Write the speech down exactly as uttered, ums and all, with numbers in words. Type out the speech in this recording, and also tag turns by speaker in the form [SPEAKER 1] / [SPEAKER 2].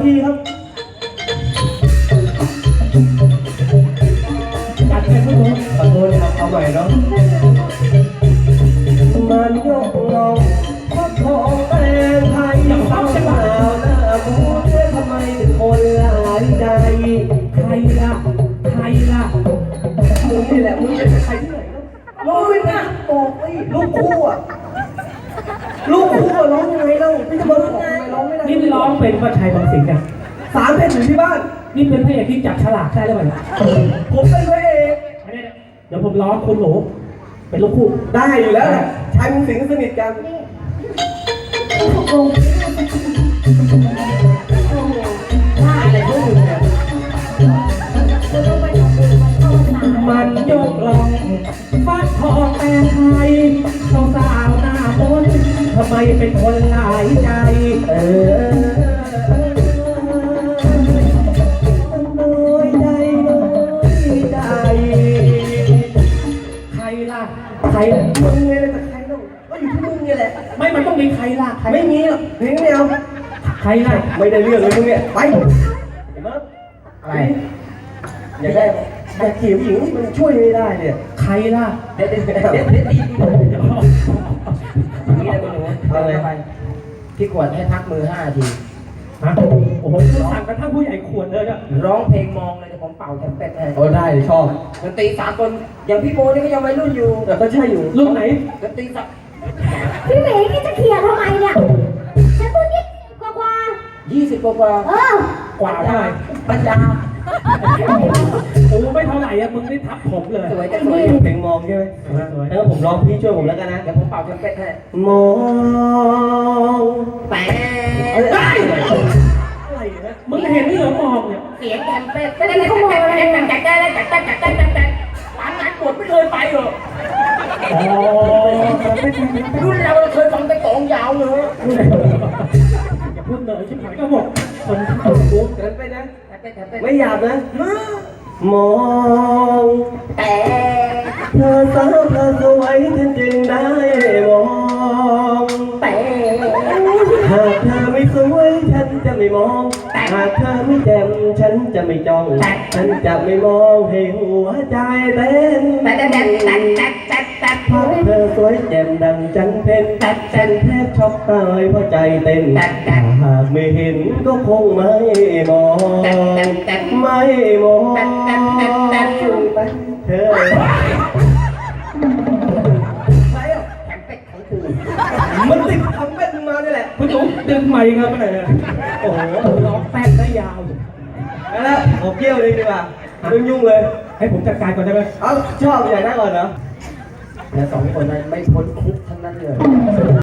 [SPEAKER 1] ทีครับจัดไปทุกคนขอโทษครับเอาใหม่เนาะมันยกลงพักของแตงไทยสาวสาวหน้าบูเธอทำไมถึงคนหลายใจใครล่ะใครล่ะมึงนี่แหละมึงจะเป็นใครที่ไหนลูกนะบอกไอ้ลูกคู่อ่ะลูกคู่ร้องยังไงเล่าพี่จะมาร้องไงร้องไม่ได้
[SPEAKER 2] นี่ร้องเป็นพระชัยบางสิงห์กัน
[SPEAKER 1] สามเพลงอยู่ที่บ้าน
[SPEAKER 2] นี่เป็นพระเอกที่จับฉลากได้หรือเปล่า
[SPEAKER 1] ผมเป็นพระเอก
[SPEAKER 2] เดี๋ยวผมร้องคุณหนูเป็นลูกคู่
[SPEAKER 1] ได้อยู่แล้วแหละชายบางสิงห์สนิทกันอะไรพวกมึงเนี่ยมันยกลองฟัดทองแม่ไทยสาวสาวหน้าบนทำไมเป็นคนหลายใจเออน้อยใจน้อยใจใครล่ะใครล่ะมึงไงเลยแต่ใครต้องก็อยู่ที่มึงนี่แหละ
[SPEAKER 2] ไม่มันต้องมีใครล่ะใคร
[SPEAKER 1] ไม่มีหรอกเพลงเดียว
[SPEAKER 2] ใครล่ะ
[SPEAKER 1] ไม่ได้เรื่องเลยมึงเนี่ยไปเห็นไหมอะไรอยากได้อยากจีบหญิงมันช่วยไม่ได้เนี่ย
[SPEAKER 2] ใครล่ะ
[SPEAKER 1] เด็ดเด็ดเด็ดเด็ดเด็ดนี่นะคุณหนูเอาอะไรไปพี่ขวดให้พักมือห้าที
[SPEAKER 2] ฮะโอ้โหสั่งกระทั่งผู้ใหญ่ขวดเลยอะ
[SPEAKER 1] ร้องเพลงมองเลยผมเป่าแทมเป็ดให้โอ้ได้ชอบดนตรีสากลอย่างพี่โบนี่ก็ยังวัยรุ่นอยู่แต่ก็ใช่อยู่
[SPEAKER 2] รุ่นไหน
[SPEAKER 1] ดนตรีสัก
[SPEAKER 3] พี่หมีนี่จะเขี่ยทำไมเนี่ยฉันพูดยี่กว่ากว่า
[SPEAKER 1] ยี่สิบกว่า
[SPEAKER 3] เออก
[SPEAKER 2] ว่าเท่าไหร่
[SPEAKER 1] ปัญญา
[SPEAKER 2] โอ้ไม่เท่าไหร่อะมึงได้ทับผมเลย
[SPEAKER 1] สวยจะสวยเพลงมองใช่ไหมสวยแล้วผมร้องพี่ช่วยผมแล้วกันนะเดี๋ยวผมเป่าแทมเป็ดให้มองแต่
[SPEAKER 2] ได้มึงเห็นนี่เหรอมองเนี่ย
[SPEAKER 1] เสียงแทมเป็ดไม่ได้เลยขโมยอะไรจัดได้แล้วจัดได้จัดได้จัดได้ร้านงานปวดไม่เคยไปเหรอ
[SPEAKER 2] อ๋อ
[SPEAKER 1] รุ่นเราเคยฟังแต่กองยาวเลย
[SPEAKER 2] อย่าพูดเลยชิบหายก็บอกคนที่ถูกกู
[SPEAKER 1] เกินไปนะไม่หยาบนะมองแต่เธอสาวเธอสวยฉันจึงได้มองแต่หากเธอไม่สวยฉันจะไม่มองหากเธอไม่แจ่มฉันจะไม่จ้องฉันจะไม่มองให้หัวใจเต้นแต่แต่แต่แต่แต่แต่แต่เพราะเธอสวยแจ่มดังจันเพ็ญแต่ฉันแทบช็อกตายเพราะใจเต้นแต่หากไม่เห็นก็คงไม่มองไม่มองเธอมันติดทำเป็ดมาเนี่ยแหละ
[SPEAKER 2] คุณจุ๊บดึงไมค์ครับอะไรเนี่ยโอ้โหร้องแป๊กได้ยาว
[SPEAKER 1] แล้วผมเกี่ยวเลยดีกว่ายุ่งยุ่งเลย
[SPEAKER 2] ให้ผมจัดการก่อนได้ไหม
[SPEAKER 1] เอ้าชอบอย่างนั้นก่อนเหรอแล้วสองคนนั้นไม่พ้นคุกทั้งนั้นเลย